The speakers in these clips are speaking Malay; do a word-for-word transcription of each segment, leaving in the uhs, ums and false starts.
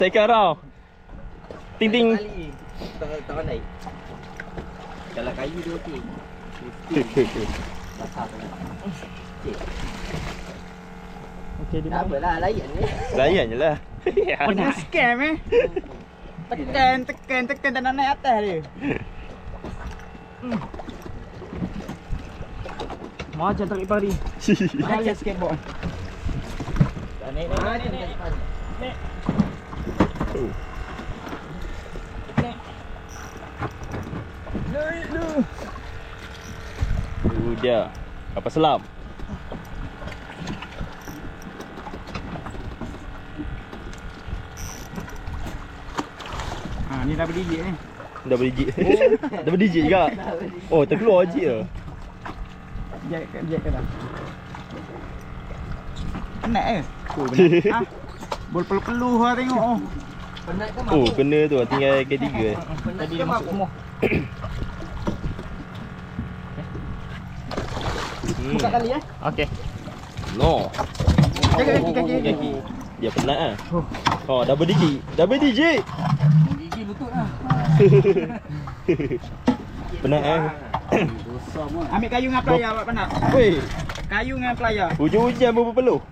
Sekarang. Ting ting. Tak tak pandai. Kalau kayu dia okey. Basah tu. Okey. Okey dia. Tak apalah, layan ni. Layan je lah. Pernah scam eh. Tekan, tekan, tekan tak nak naik atas dia. Hmm. Macam tarik pari. Macam skateboard. Tak naik, naik, naik, naik. Naik. Oh. Naik. Naik lu. Udah. Kapal selam. Ha ni dah berdiri ni. Dah berdijit. Dah berdijit juga. Oh, terkeluar je ya. Jek ke jek ke dah. Penat ke? Oh benar. Ha. Bol peluh-peluh lah tengok oh. Penat ke Oh, kena tu tinggal K tiga. Tadi dia masuk semua. Hmm. Buka kali eh. Okey. No. Jaga kaki kaki. Kaki. Dia penat ah. Oh. Oh, dah berdijit. Dah berdijit. Gigi lutut lah. Penat eh. Ambil kayu dengan pelayar buat penat. Weh, Kayu dengan pelayar. hujan-hujan berpeluh.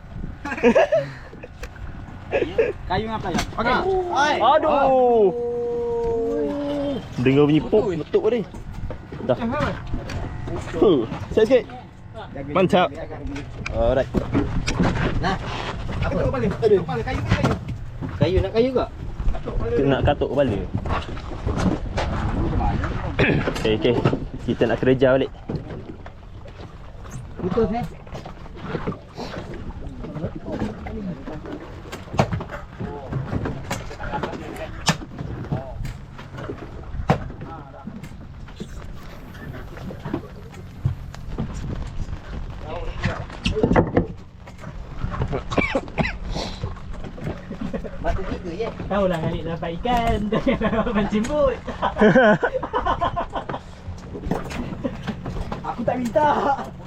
Kayu dengan pelayar. Okey. Aduh. Dengar bunyi pop letup ni. Dah. Huh, sikit-sikit. Mantap. Alright. Nah. Apa kau balik? Aduh. Balik kayu kayu. Kayu nak kayu ke? Nak katuk kepala. Okey, okey. Kita nak kerja balik. Putus eh. Batu tiga je. Tahu lah kali dapat ikan. Jangan mancing but. Aku tak minta.